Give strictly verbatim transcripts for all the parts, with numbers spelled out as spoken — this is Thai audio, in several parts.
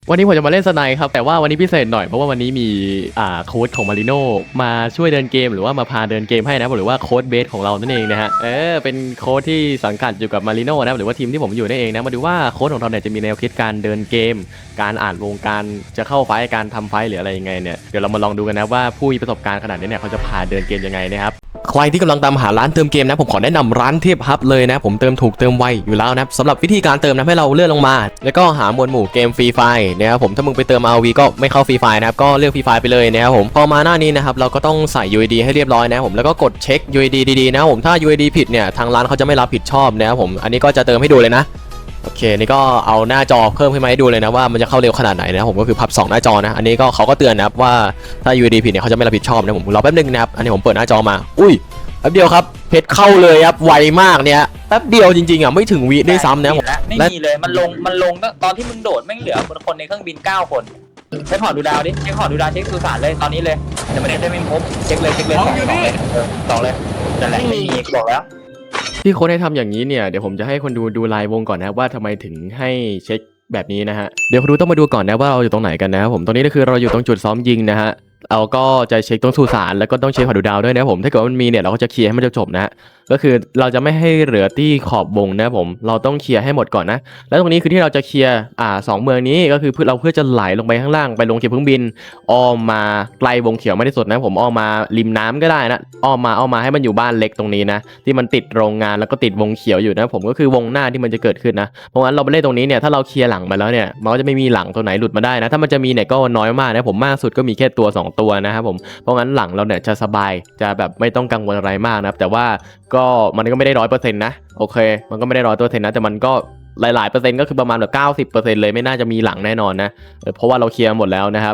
วันนี้ผมจะมาเล่นสไนครับแต่ว่าวันนี้พิเศษหน่อยเพราะว่าวันนี้มีอ่าโค้ชของมาริโน่มาช่วยเดินเกมหรือว่ามาพาเดินเกมให้นะหรือว่าโค้ชเบสของเรานั่นเองนะฮะเออเป็นโค้ชที่สังกัดอยู่กับมาริโน่นะหรือว่าทีมที่ผมอยู่นั่นเองนะมาดูว่าโค้ชของเราเนี่ยจะมีแนวคิดการเดินเกมการอ่านวงการจะเข้าไฟการทำไฟหรืออะไรยังไงเนี่ยเดี๋ยวเรามาลองดูกันนะว่าผู้มีประสบการณ์ขนาดนี้เนี่ยเขาจะพาเดินเกมยังไงนะครับใครที่กำลังตามหาร้านเติมเกมนะผมขอแนะนำร้านเทพฮับเลยนะผมเติมถูกเติมไวอยู่แล้วนะสำหรับวิธีการเติมนะให้เราเลื่อนลงมาแล้วก็หาหมวดหมู่เกมฟรีไฟนะครับผมถ้ามึงไปเติม อาร์ โอ วี ก็ไม่เข้าฟรีไฟนะครับก็เลือกฟรีไฟไปเลยนะครับผมพอมาหน้านี้นะครับเราก็ต้องใส่ ยู ไอ ดี ให้เรียบร้อยนะผมแล้วก็กดเช็ค ยู ไอ ดี ดีๆนะผมถ้า ยู ไอ ดี ผิดเนี่ยทางร้านเขาจะไม่รับผิดชอบนะครับผมอันนี้ก็จะเติมให้ดูเลยนะโอเคนี่ก็เอาหน้าจอเพิ่มขึ้นมาให้ดูเลยนะว่ามันจะเข้าเร็วขนาดไหนนะผมก็คือพับสองหน้าจอนะอันนี้ก็เขาก็เตือนนะครับว่าถ้า ยู ไอ ดี ผิดเนี่ยเขาจะไม่รับผิดชอบนะผมรอแป๊บนึงนะครับอันนี้ผมเปิดหน้าจอมาอุ้ยแป๊บเดียวครับเพชรเข้าเลยครับไวมากเนี่ยแป๊บเดียวจริงๆอ่ะไม่ถึงวิด้วยซ้ำนะผมไม่มีเลยมันลงมันลงตอนที่มึงโดดแม่งเหลือคนในเครื่องบินเก้าคนเช็คหอดูดาวดิเช็คหอดูดาวเช็คสุสานเลยตอนนี้เลยแต่มันได้ไม่พบเช็คเลยเช็คเลยสองเลยสองเลยนั่นแหละไม่มีบอกแล้วที่โค้ชให้ทำอย่างนี้เนี่ยเดี๋ยวผมจะให้คนดูดูลายวงก่อนนะว่าทำไมถึงให้เช็คแบบนี้นะฮะเดี๋ยวคนดูต้องมาดูก่อนนะว่าเราอยู่ตรงไหนกันนะครับผมตรงนี้ก็คือเราอยู่ตรงจุดซ้อมยิงนะฮะเราก็จะเช็คตรงสุสานแล้วก็ต้องเช็คหอดูดาวด้วยนะผมถ้าเกิดว่ามันมีเนี่ยเราก็จะเคลียร์ให้มันจบๆนะก็คือเราจะไม่ให้เหลือที่ขอบวงนะผมเราต้องเคลียร์ให้หมดก่อนนะแล้วตรงนี้คือที่เราจะเคลียร์อ่าสองเมืองนี้ก็คือเพื่อเราเพื่อจะไหลลงไปข้างล่างไปลงเก็บเครื่องบินอ้อมมาไกลวงเขียวไม่ได้สุดนะผมอ้อมมาริมน้ำก็ได้นะอ้อมมาอ้อมมาให้มันอยู่บ้านเล็กตรงนี้นะที่มันติดโรงงานแล้วก็ติดวงเขียวอยู่นะผมก็คือวงหน้าที่มันจะเกิดขึ้นนะเพราะงั้นเราไปเล่นตรงนี้เนี่ยถ้าเราเคลียร์หลังมาแล้วเนี่ยมันก็จะไม่มีหลังตัวไหนหลุดมาได้นะถ้ามันจะมีเนี่ยก็น้อยมากนะผมมากสุดก็มีแค่ตัวสองตัวนะครับผมเพราะงั้นหลังเราเนี่ยจะสบายจะแบบไม่ต้องกังวลอะไรมากนะแต่ว่าก็มันก็ไม่ได้ร้อยเปอร์เซ็นต์นะโอเคมันก็ไม่ได้ร้อยเปอร์เซ็นต์นะแต่มันก็หลายๆเปอร์เซ็นต์ก็คือประมาณแบบเก้าสิบเปอร์เซ็นต์เลยไม่น่าจะมีหลังแน่นอนนะเพราะว่าเราเคลียร์หมดแล้วนะครับ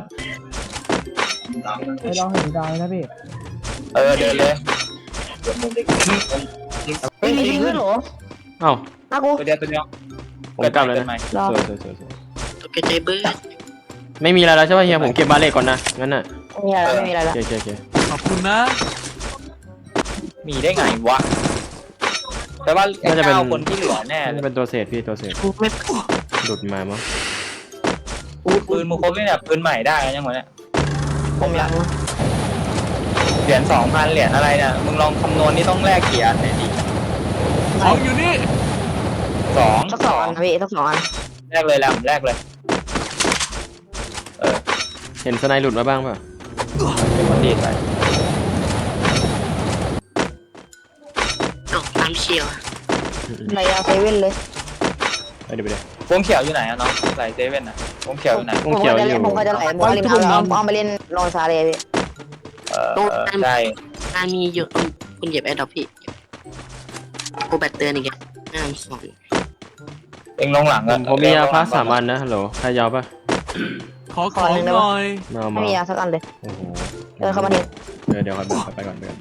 ไปลองเห็นดาวนะพี่เออเดินเลยเฮ้ยยิงขึ้นเหรอเอ้าอากูตัวเดียวตัวเดียวผมกลับเลยนะรอสวยๆตกใจเบิร์ดๆไม่มีอะไรแล้วใช่ป่ะเฮียผมเก็บบาเล่ก่อนนะงั้นน่ะไม่มีอะไรไม่มีอะไรละโอเคโอเคขอบคุณนะมีได้ไงวะแต่ว่าไอ้เก้าคนที่เหลือแน่เลนี่ยเป็นตัวเศษพี่ตัวเศษกูไม่หลุดมามั้งปืนมึงครบเลยเนี่ยปืนใหม่ได้ยังไงเนี่ยผมละยังเหรียญสองพันเหรียญอะไรเนี่ยมึงลองคำนวณนี่ต้องแลกกี่อันเนี่ยดิของอยู่นี่สองสักสองอันพี่สักสองอันแรกเลยแหละแรกเลยเออเห็นสไนหลุดมาบ้างป่ะเป็นคนดีไปตกน้ำเชียวในยาเซเว่นเลยไปเดี๋ยวไปเดี๋ยววงเขียวอยู่ไหนอะน้องไหลเซเว่นอะวงเขียวอยู่ไหนวงเขียวอยู่ผมก็จะไหลผมก็ริมน้ำเอาเอามาเล่นลองซาเลยพี่เออเออใช่งานมีเยอะคุณเหยียบแอดดอปพี่กูแบตเตือนอีกแล้วงานสองเองลงหลังผอะมผมมียาพาสามอันนะฮัลโหลใครยาวป่ะขอของหน่อยมาไม่มามียาสักอันเลยโอ้โหเดินเข้ามาเห็นเดี๋ยวเดี๋ยวก่อนไปก่อนไปก่อน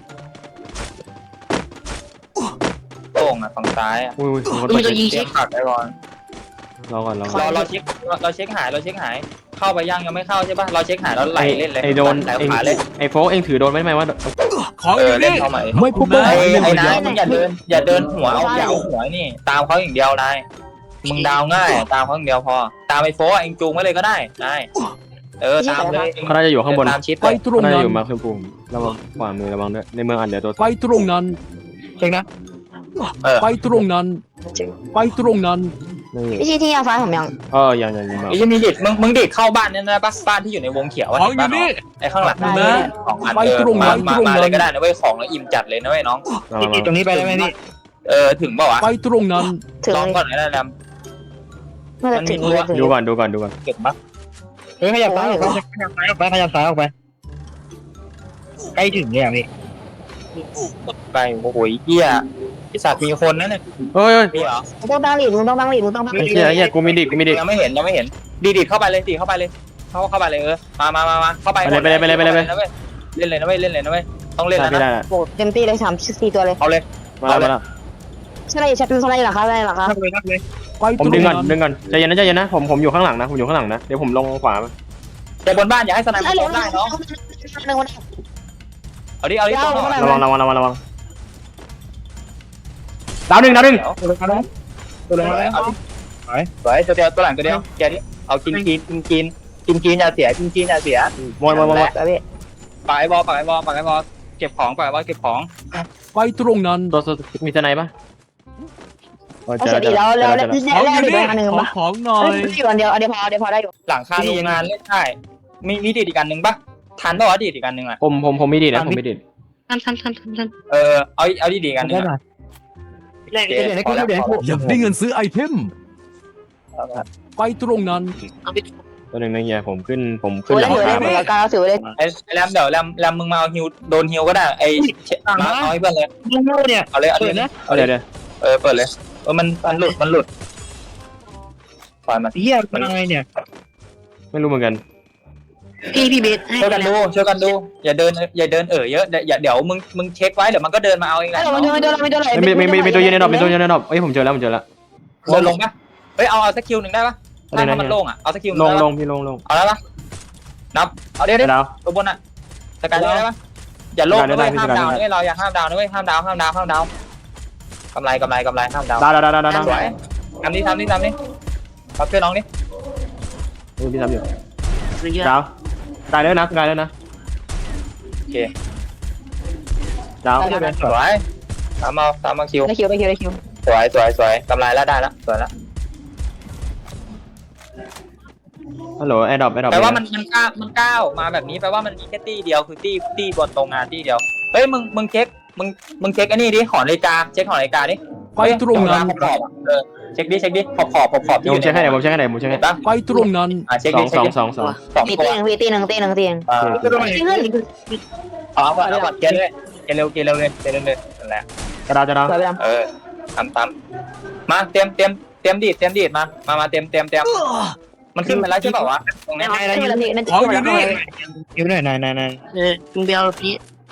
โต่งอะฝั่งซ้ายอะอุ้ยอุ้ยคนมีเปิตัวดยิงเช็เช็คคผักไปก่อนรอก่อนรอก่เราอนเราเช็คเราเช็คหายเราเช็คหายเข้าไปยังยังไม่เข้าใช่ป่ะเราเช็คหายแล้วไหลเล่นเลยไอโดนไหลเองขาเลยไอโฟกเองถือโดนไว้ไหมว่าของเอออยู่เล่นนี่เข้ามาไม่พบไอ้ไอ้นายมึงอย่าเดินอย่าเดินหัวเอาอย่าเอาหัวนี่ตามเขาอย่างเดียวนายมึงดาวง่ายตามเขาอย่างเดียวพอตามไอ้โฟเองจูงไว้เลยก็ได้นายเออตามเลยเขาน่าจะอยู่ข้างบนตามชิดไปเลยตรงเขาน่านั้จะนอยู่มาคือปุ่มระวังขวามือระวังด้วยในเมืองอันเดียวตัวไปตรงนั้นเช็คนะเออไปตรงนั้น ไปตรงนั้นนี่พี่ชี้ที่ยาซ้ายผมยังเออยังยังยังไอ้ยังมีดิดมึงมึงดิดเข้าบ้านเนี่ยนะบ้านบ้านที่อยู่ในวงเขียวของอยู่นี่ไอ้ข้างหลังได้ของอันเออมามามาเลยก็ได้นะเว้ยของแล้วอิ่มจัดเลยนะเว้ยน้องตรงนี้ไปได้ไหมนี่เออถึงเปล่าวะไปตรงนั้นถึงลองก่อนนะดเมื่อถึงเลยถึงดูก่อนดูก่อนดูก่อนำเก็บปะเฮ้ยขยับซ้ายออกไปขยับซ้ายออกไปขยับซ้ายออกไปใกล้ถึงเลยอ่ะพี่ไปโอ้โหเหี้ยไอ้สัตว์มีคนนั่นเนี่ยเฮ้ยมีเหรอมึงต้องตั้งหลีดมึงต้องตั้งหลีดมึงต้องตั้งหไอ้ลีดเหี้ยไอ้เหี้ยกูมีดิกูมีดิยังไม่เห็นยังไม่เห็นดีดิดเข้าไปเลยดีดเข้าไปเลยเข้าเข้าไปเลยเออมามามามาเข้าไปเล่นเลยนะเว้ยเล่นเลยนะเว้ยเล่นเลยนะเว้ยต้องเล่นแล้วไม่ได้นะโอ้เต็มที่เลยสามสี่ตัวเลยเอาเลยมาแล้วมาแล้วใช่ไหมใช่เป็นอะไรหรอครับอะไรหรอครับทักเลยทักเลยไปผมตรดึงงก่อนนั้นดึงก่อนใจเย็นนะใจเย็นนะผมผมอยู่ข้างหลังนะผมอยู่ข้างหลังนะเดี๋ยวผมลงขวาแต่บนบ้านอย่าให้สนามไอ้มันเหลืลองได้น้องหนึ่งวันเอาดิเอาดิต้องหน่อยระวังระวังระวังระวังดาวหนึ่งดาวหนึ่งตัวเลยมาแล้วตัวเลยมาแล้วเอาดิสวยตัวเดียวตัวหลังตัวเดียวแกดิเอากินกินกินกินกินกินอย่าเสียกินกินอย่าเสียมวยมวยมวยไปพี่ปล่อยบอลปล่อยบอลปล่อยบอลเก็บของปล่อยบอลเก็บของไปตรงนั้นตัวมีสไนปะเอาเสร็จดีแล้วแล้วแล้วของแล้วอยู่อีกนี่อันหนึ่งขอปะของหน่อเฮ้ยยอยู่อันเดียวอันเดียวพออันเดียวพอได้อยู่หลังคาโรงงานเล่นได้มีมีดีดอีกอันหนึ่งปะทันปะวะดีดอีกอันหนึ่งอ่ะผมผมผมมีดีนะผมมีดีทันทันทันทันทันเออเอาเอาดีดอีกอันหนึ่งได้หน่อยเดี๋ยวเดี๋ยวเดี๋ยวอยากได้เงินซื้อไอเทม ไปตรงนั้นเอาพี่ตัวหนึ่งนะเฮียผมขึ้นผมถืขึ้นอหได้ลังถือได้คาถือได้การถือได้ไอ้แรมเดี๋ยวแรมแรมมึงมาเอาฮิวโดนฮิวก็ได้ไอ้มาเอาให้เพื่อนเลยมึงโง่เนี่ยเอาเลยเอาเปิเลดยนะเอาเดี๋ยวเดี๋ยวเออเปิดเลยเออมันมันหลุดมันหลุดปล่อยมันเฮียมันอะไรเนี่ยไม่รู้เหมือนกันพี่พี่เบสให้ช่วยกันดูช่วยกันดูอย่าเดินอย่าเดินเออเยอะอย่าเดี๋ยวมึงมึงเช็คไว้เดี๋ยวมันก็เดินมาเอาเองแหละเออมันโดนมันโดนมันโดนอะไรไม่ไม่ไม่ไม่ตัวเย็นในดอกไม่ตัวเย็นในดอกเอ้ยผมเจอแล้วผมเจอแล้วเดินลงปะเฮ้ยเอาเอาสักคิวหนึ่งได้ปะอะไรถ้านะมันโล่งอ่ะเอาสักคิวหลนึ่งงได้ลปะงพี่ลงลงเอาแล้วปะนับเอาเดี๋ยวเดี๋ยวดาวตัวบนอ่ะสกายได้ปะอย่าโล่งได้นะได้เว้ยห้ามได้ดาวได้นะเว้ยเราอย่าห้ามดาวนะเว้ยห้ามดาวห้ามดาวห้ามดาวกำไรกำไรกำไรห้ามดาวดาวดาวดาวดาวดาวสวยทำนี่ทำนี่ทำนี่ขอช่วยน้องนี่เออพี่ทำอยู่เยอะดาวตายแล้วนะตายแล้วนะโอเคดาวสวยตามเอาตามมาคิวได้คิวได้คิวได้คิวสวยสวยสวยกำไรแล้วได้แล้วสวยแล้วฮัลโหลแอร์ดรอปแอร์ดรอปแปลว่ามันมันก้าวมันก้าวมาแบบนี้แปลว่ามันมีแค่ตี้เดียวคือตี้ตี้บนโรงงานตี้เดียวเฮ้ยมึงมึงเช็คมึงมึงเช็คอันนี้ดิหอนาฬิกาเช็คหอนาฬิกาดิไปตรงนั้นขอบขอบเออเช็คดิเช็คดิขอบขอบขอบขอบที่ผมเช็คให้ไหนผมเช็คให้ไหนผมเช็คให้บ้างไปตรงนั้นอ่ะเช็คสอดิงเช็สคองดิสองสองสองตีตัตีวหนึ่งตีหนึ่งตีหนึ่งตีหนึ่งอ่าตีหนึ่งเอาเอาเอาเกลเลยเกลเร็วเกลเร็วเลยเกลเร็วเลยนั่นแหละกระดาวจะดาวสวยไปดเออทำตามมาเตรียมเตรียมเตรียมดีดเตรียมดีดมามามาเตรียมเตรียมเตรียมมันขึ้นไปแล้วใช่เปล่าวะตรงนี้ำขึ้นมาแล้วพี่นั่นของอยู่นี่คิวหน่อยนายนายนายเออมึงเบลพี่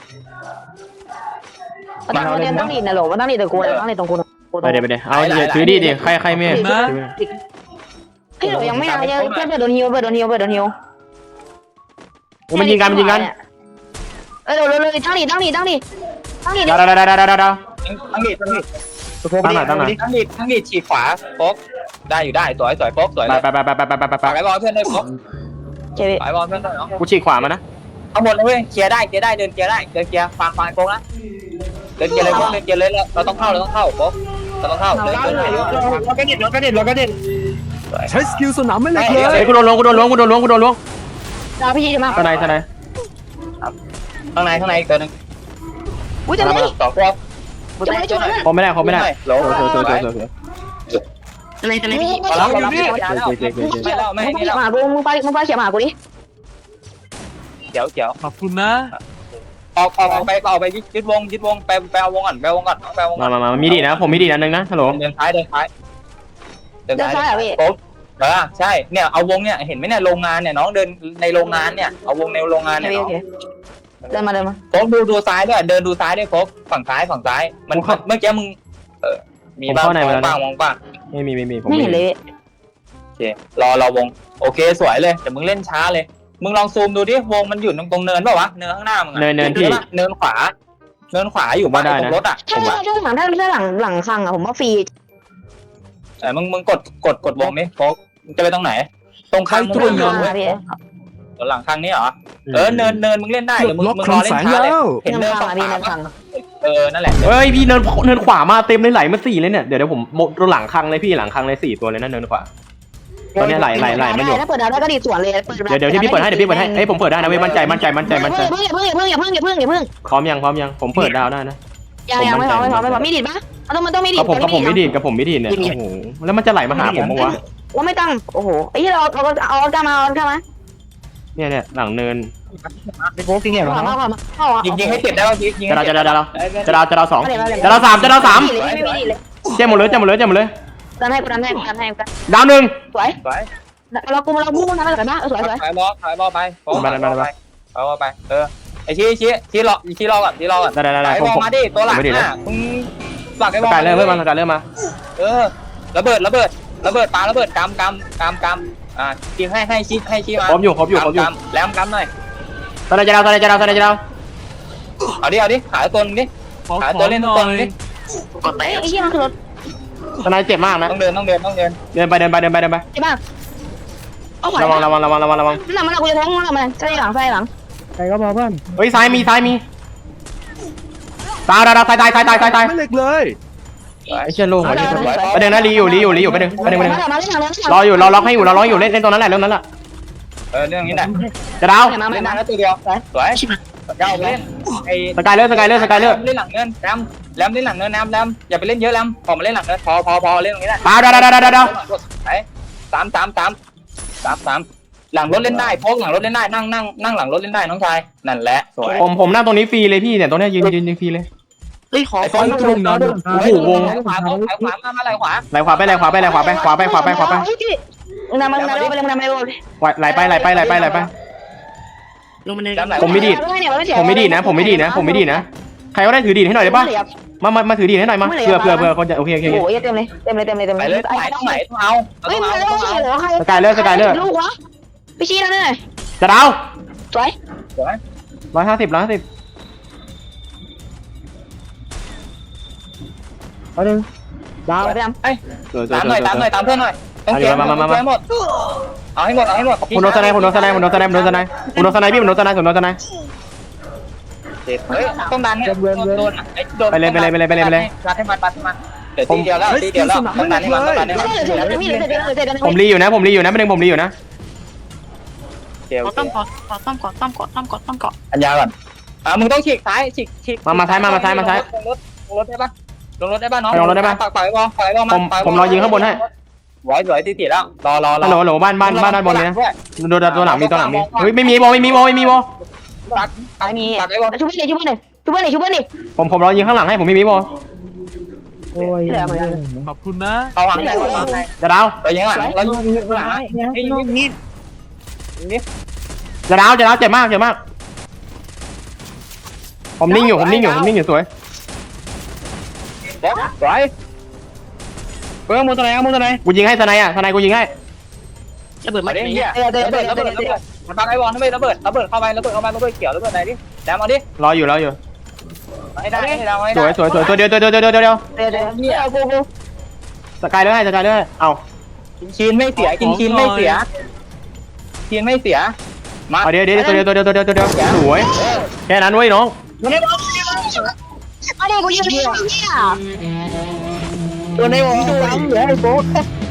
มันต้องเรียนต้องดีนะหรอมันต้องดีแต่กูนะต้องดีตรงกูนะไปเดี๋ยวไปเดี๋ยวเอาอย่าถือดีดิใครใครไม่นะเฮ้ยหนูยังไม่เอายังแค่เปิดโดนฮิวเปิดโดนฮิวเปิดโดนฮิวโอ้มันยิงกันมันยิงกันเออเดี๋ยวเลยตั้งดีตั้งดีตั้งดีตั้งดีดาวดาวดาวดาวดาวดาวทั้งดีดทั้งดีดตัวโค้งตั้งหน่อยตั้งหน่อยทั้งดีดทั้งดีดฉีกขวาโป๊กได้อยู่ได้สวยสวยโป๊กสวยไปเลยไปไปไปไปไปไปไปฝากไอ้บอลเพื่อนด้วยโป๊กเจ๊พี่ฝากไอ้บอลเพื่อนด้วยเนาะกูฉีกขวามานะเอาหมดเลยเว้ยเคลียร์ได้เคลียร์ได้เดินเคลียร์ได้เดินเคลียร์ฟังฟังโป๊กนะเดินเคลียร์เลยโป๊กเดินเคลียร์เลยเราต้องเข้าเราต้องเข้าโป๊กเราต้องเข้าเดินเดินเดินเราก็เด็ดเราก็เด็ดเราก็เด็ดใช้สกิลสนามไม่เล็กเลเฮ้ยยกูโดนล้วงกูโดนล้วงกูโดนล้วงกูโดนล้วงดาวพี่จีมาทนายทนายข้างในข้างในอีกตัวนึงอุ้ยจะไม่สองตัวจะไม่ช่วยนะผมไม่ได้ผมไม่ได้โหลโซ่โซ่โซ่โซ่โซ่อะไรอะไรพี่มาแล้วมาแล้วไม่แล้วไม่มึงให้ไปแล้วหากูมึงไปมึงไปเขียนหากูดิเดี๋ยวเดี๋ยวขอบคุณนะออกออกออกไปออกไปยึดวงยึดวงไปไปเอาวงก่อนไปเอาวงก่อนไปเอาวงก่มาอนมามามีดีนะผมมีดีนะนึงนะฮัลโหลเดินท้ายเดินท้ายเดินเดินซ้าท้าย ยอ่ะพี่โป๊บเออใช่เนี่ยเอาวงเนี่ยเห็นไหมเนี่ยโรงงานเนี่ยน้องเดินในโรงงานเนี่ยเอาวงในโรงงานโอเนี่ยเคน้โอองเคเดินมาเดินมาโป๊บดูดูซ้ายด้วยเดินดูซ้ายด้วยโป๊บฝั่งซ้ายฝั่งซ้ายมันเมื่อกี้มึงเออมีบ้างมองบ้างมองบ้างไม่มีไม่มีผมไม่เห็นเลยโอเครอรอวงโอเคสวยเลยแต่มึงเล่นช้าเลยมึงลองซูมดูดิวงมันอยู่ตรงตรงเนินเปล่าวะเนินข้างหน้ามึงเนินเนินพี่เนินขวาเนินขวาอยู่บ้านตรงรถอ่ะถ้าถ้าถ้าหลังถ้าถ้าหลังหลังคังอ่ะผมว่าฟรีแต่มึงมึงกดกดกดวงนี่โป๊กจะไปตรงไหน ตรงข้างไปตรงนั้นมาพี่หลังข้างนี้เหรอเออเนินเนินมึงเล่นได้ปลเดี๋ยดวมึงล็อกมึงครลัอง เล่นแสงช้าเลยแล้วเห็นเนิเนินนคังฝั่งอ่ะพี่ขวาเนินคังเออนั่นแหละเฮ้ยพี่เนินเนินขวามาเต็มเลยไหลมาสี่เลยเนี่ยเดี๋ยวเดี๋ยวผมตัวหลังคังเลยพี่หลังคังเลยสี่ตัวเลยนะเนินขวาตอนนี้ไหลไหลไหลมาอยู่ถ้าเปิดดาวได้ก็ดีสวนเลยเปิดเดี๋ยวเดี๋ยวที่พี่เปิดให้เดี๋ยวพี่เปิดให้เอ้ยผมเปิดได้นะเว้ยมั่นใจมั่นใจมั่นใจมั่นใจเพิ่งอย่าเพิ่งอย่าเพิ่งอย่าเพิ่งอย่าเพิ่งอย่าเพิ่งพร้อมยังพร้อมยังผมเปิดดาวได้นะยังยังไม่พอไม่พอไม่พอมีดิดปะมันต้องมันต้องมีดิดกับผมกับผมไม่ดีกับผมไม่ดีเนี่ยโอ้โหแล้วมันจะไหลมาหาผมมั้งวะว่าไม่ตั้งโอ้โหไอ้ที่เราเอาเอากล้ามาเอากล้ามาเนี่ยเนี่ยหลังเนินไอ้โค้งจริงเนี่ยเอาเหรอมาเอามายิงยิงให้เจ็บได้ป่ะพี่ยิงจะดาวจะดาวจะดาวจะดาวจะดาวสองเอาเลยจะดาวสามจะดาวสามไม่มีดิดเลยเจ๊หมดเลยเจ๊หมดเลยเจ๊หมดเลยดันให้กูดันให้กูดันให้กูดาวหนึ่งสวยสวยเรากูเราพุ่งนะมันกันนะสวยสวยถ่ายบอลถ่ายบอลไปถ่ายบอลไปถ่ายบอลไปเออไอชี้ชี้ชี้รอชี้รอก่อนชี้รอก่อนได้ได้ได้ถ่ายผมบอลผมมาดิตัวหลังน่ะมึงฝากไอ้บอลสกายเริ่มเริ่มมาสกายเริ่มมาเออระเบิดระเบิดระเบิดปาระเบิดกำกำกำกำอ่ายิงให้ให้ชี้ให้ชี้มาครบอยู่ครบอยู่ครบอยู่แหลมกำหน่อยตอนไหนจะดาวตอนไหนจะดาวตอนไหนจะดาวเอาดิเอาดิหาตัวนึงดิขอหาขตัอวเล่นหตัน่วอนึงยดิกดแตกไอ้ที่มันคือรถตอนไหนเจ็บมากนะต้องเดินต้องเดินต้องเดินเดินไปเดินไปเดินไปเดินไปใช่ป่ะเอาขวาระวังระวังระวังระวังระวังนั่นมันกูจะแทงมันมันใช่หลังใช่หลังใครก็พอเพื่อนเฮ้ยซ้ายมีซ้ายมีตายดาวดาวตายตายตายตายตายตายไม่เหล็กเลยไอ้เชี่ยโล่งว่ะประเด็นนะรีอยู่รีอยู่รีอยู่ประเด็นประเด็นประเด็นมาเล่นหลังเล่นหลังรออยู่รอล็อกให้อยู่รอล็อกอยู่เล่นเล่นตรงนั้นแหละเรื่องนั้นแหละเออเรื่องนี้แหละจะดาวมาเล่นมานานแล้วตัวเดียวสวยเจ้าเล่นไอ้สกายเลอร์สกายเลอร์สกายเลอร์เล่นหลังเนินแรมแรมเล่นหลังเนินแรมแรมอย่าไปเล่นเยอะแรมออกมาเล่นหลังเนินพอพอพอเล่นตรงนี้แหละดาวดาวดาวดาวดาวดาวไปสามสามสามสามสามหลังรถเล่นได้พกหลังรถเล่นได้นั่งนั่งนั่งหลังรถเล่นได้น้องชายนั่นแหละสวยผมผมนั่งตรงนี้ฟรีเลยพี่เนี่ยตรงเนี้ยยืนยืนยืนฟรีเลยเฮ้ยขอไอ้ขฟออนลงน้ำโอ้โหวงขวาขวาขวามาไหลขวาไหลขวาไปไหลขวาไปไหลขวาไปขวาไปขวาไปขวาไปมึงนำมึงนำไปเลยมึงนำไปเลยไหลไปไหลไปไหลไปไหลไปลงมาเลยผมไม่ดีดผมไม่ดีดนะ ผมไม่ดีดนะ ผมไม่ดีดนะใครก็ได้ถือดีดให้หน่อยได้ปะมามามาถือดีดให้หน่อยมาเผื่อเผื่อเผื่อคนจะโอเคโอเคโอ้ยเต็มเลยเต็มเลยเต็มเลยเต็มไปเลยเลยไหนต้องไหนต้องเอาเฮ้ยต้องมึงเอาเล่นต้องเอาเหรอใครสกายเลอร์สกายเลอร์ลูกวะพี่ชี้แล้วเนี่ยจะดาวสวยร้อยห้าสิบร้อยห้าสิบเอาหนึ่งดาวไปดตามหน่อยตามหน่อยตามเพื่อนหน่อยต้องเก็บหมดเอาให้หมดเอาให้หมดผมโดนสไนผมโดนสไนผมโดนสไนผมโดนสไนผมโดนสไนพี่ผมโดนสไนผมโดนสไนเฮ้ยต้องดันเนี่ยโดนไอ้โดนปัดให้มันปัดให้มันเดี๋ยวตีเดียวแล้วตีเดียวแล้วต้องดันให้มันต้องดันให้มันำเสร็จแล้วพี่เสร็จแล้วเสร็จแล้วผมรีอยู่นะผมรีอยู่นะไม่ดึงผมรีอยู่นะเดี๋ยวขอต้อมก่อนขอต้อมก่อนต้อมก่อนต้อมก่อนต้อมก่อนอัญญาก่อนอ่ามึงต้องฉีกซ้ายฉีกฉีกมามาซ้ายมามาซ้ายมาซ้ายลงรถลงรถได้ปะลงรถได้ปะน้องลงรถได้ปะปากปากไอ้บอลปากไอ้บอลผมผมรอยิงข้างบนให้ร้อยร้อยตีตีแล้วรอรอรอฮัลโหลฮัลโหลบ้านบ้านบ้านด้านบนเลยนะโดนตัวหลังมีตัวหลังมีเฮ้ยไม่มีบอลไม่มีบอลไม่มีบอลปากตายมีปากไอ้บอลชุบเพื่อนชุบเพื่อนชุบเพื่อนชุบเพื่อนดิผมผมรอยิงข้างหลังให้ผมไม่มีบอลโอ้ยขอบคุณนะเอาหางไหนก่อนหางไหนจะดาวไปยิงหลังแล้วยิงหลังไอ้ยิงนี่นี่จะดาวจะดาวเจ็บมากเจ็บมากผมนิ่งอยู่ผมนิ่งอยู่ผมนิ่งอยู่สวยเดี๋ยวร้อยเฮ้ยมุนตัวไหนมุนตัวไหนกูยิงให้สไนอ่ะสไนกูยิงให้ระเบิดมามาดิไหนเฮียระเบิดระเบิดระเบิดมันปากไอ้บอลทำไมระเบิดระเบิดเข้าไประเบิดเข้ามาระเบิดเกี่ยวระเบิดไหนดิแดมเอาดิรออยู่รออยู่ให้ได้ให้เราให้สได้วยสวยสวยตัวเดียวตัวเดียวตัวเดียวตัวเดียวเดี๋ยวเดี๋ยวเดี๋ยวกูกูสกายเลยให้สกายเลยเอากินชีนไม่เสียกินชีนไม่เสียชีนไม่เสียมาเอาเดี๋ยวเดี๋ยวตัวเดียวตัวเดียวตัวเดียวตัวเดียวสวยแค่นั้นเว้ยน้องอันนี้กูยิงพี่เนี่ยตัวในวงตัวเหลือไอ้โบ๊ท